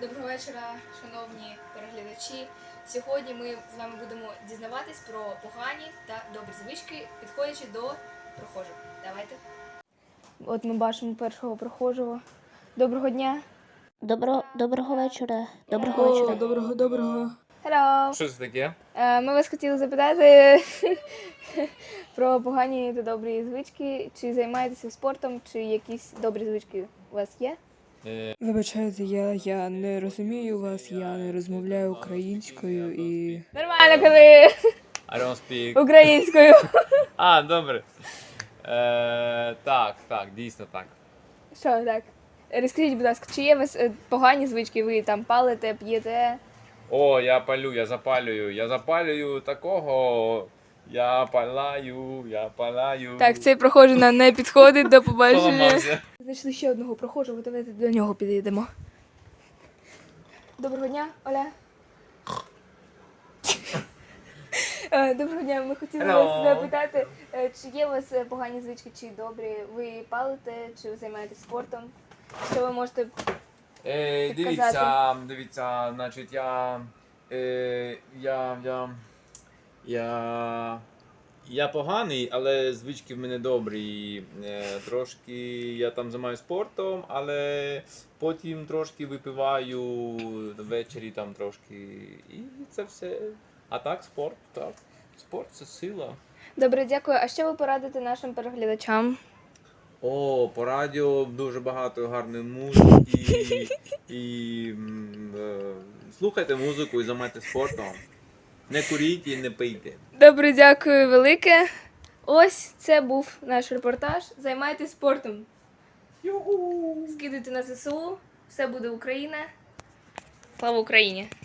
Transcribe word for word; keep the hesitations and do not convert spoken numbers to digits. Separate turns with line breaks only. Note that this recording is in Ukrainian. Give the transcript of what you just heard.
Доброго вечора, шановні переглядачі. Сьогодні ми з вами будемо дізнаватись про погані та добрі звички, підходячи до прохожих. Давайте. От ми бачимо першого прохожого. Доброго дня.
Доброго, доброго вечора. Доброго
О,
вечора.
доброго, доброго. Hello.
Що це таке?
Е, Ми вас хотіли запитати про погані та добрі звички. Чи займаєтеся спортом, чи якісь добрі звички у вас є?
Е,
Вибачайте, я, я не розумію вас, я не розмовляю українською і.
Нормально, кажи
I don't speak.
українською.
А, добре. Е, так, так, дійсно так.
Що так? Розкажіть, будь ласка, чи є у вас е, погані звички? Ви там палите, п'єте?
О, я палю, я запалюю, я запалюю такого. Я палаю, я палаю.
Так, цей прохожий нам не підходить, до побачення.
Поламався.
Знайшли ще одного прохожого, давайте до нього підійдемо. Доброго дня, Оля. Е, Доброго дня, ми хотіли
Hello.
вас запитати, е, чи є у вас е, погані звички, чи добрі? Ви палите, чи ви займаєтесь спортом? Що ви можете...
Е,
Підказати.
дивіться, дивіться, значить, я, е, я, я, я, я поганий, але звички в мене добрі. Е, трошки я там займаюся спортом, але потім трошки випиваю ввечері там трошки. І це все. А так, спорт, так. Спорт це сила.
Добре, дякую. А що ви порадите нашим переглядачам?
О, по радіо дуже багато гарної музики і м, е, слухайте музику і займайтеся спортом. Не куріть і не пийте.
Добре, дякую велике. Ось це був наш репортаж. Займайтесь спортом.
Юху!
Скидуйте на ЗСУ. Все буде Україна. Слава Україні!